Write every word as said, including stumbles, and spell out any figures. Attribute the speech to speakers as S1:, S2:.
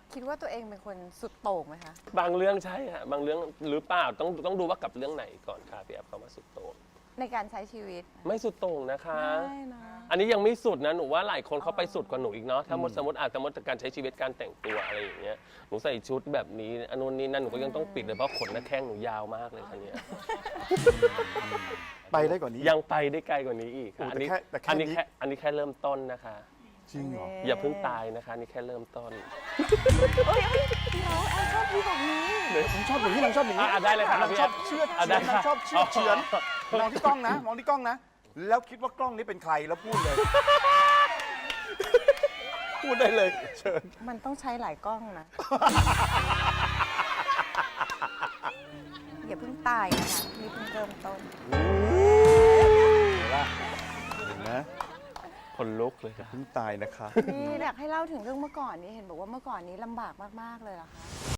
S1: คิดว่าตัวเองเป็นคนสุดโต่งไหมคะ
S2: บางเรื่องใช่ฮะบางเรื่องหรือเปล่าต้องต้องดูว่ากับเรื่องไหนก่อนค่ะพี่แอฟเขามาสุดโต่ง
S1: ในการใช้ชีวิต
S2: ไม่สุดโต่งนะคะ
S1: ไม่นะ
S2: อันนี้ยังไม่สุดนะหนูว่าหลายคนเขาไปสุดกว่าหนูอีกเนาะถ้าสมมติสมมติอาจจะมดการใช้ชีวิตการแต่งตัวอะไรอย่างเงี้ยหนูใส่ชุดแบบนี้อันนู้นนี้นั่นหนูก็ยังต้องปิดเลยเพราะขนหน้าแข้งหนูยาวมากเลยคันนี้
S3: ไปได้กว่านี้
S2: ยังไปได้ไกลกว่านี้อีกค่ะ
S3: โอ้
S2: อันนี้
S3: แต่แค่แต่แค่
S2: อันนี้
S3: นี้
S2: แค่อันนี้แค่เริ่มต้นนะคะ
S3: จริงเหรอ
S2: อย่าเพิ่งตายนะคะนี่แค่เริ่มต้น
S1: เอ้ยเอ้ยน้องแอนชอบพูดแบบนี้
S3: ผมชอบอย่างนี้นางชอบอย่างนี้
S2: อ่ะได้เลยค่ะ
S3: นางชอบเชื่อด
S2: อ่ะ
S3: เฉื
S2: ได้
S3: อน
S2: ค่ะ
S3: นางชอบเชื่อดเฉือนมองที่กล้องนะ มองที่กล้องนะ แล้วคิดว่ากล้องนี้เป็นใครแล้วพูดเลย พูดได้เลยเชิญ
S1: มันต้องใช้หลายกล้องนะ อย่าเพิ่งตายนะคะนี่เพิ่งเริ่มต้น
S3: เห็นปะเห็นไหม
S2: คนลุกเลยค่ะ
S3: เพิ่งตายนะคะ
S1: นี่อยากให้เล่าถึงเรื่องเมื่อก่อนนี้เห็นบอกว่าเมื่อก่อนนี้ลำบากมากๆเลยเหรอคะ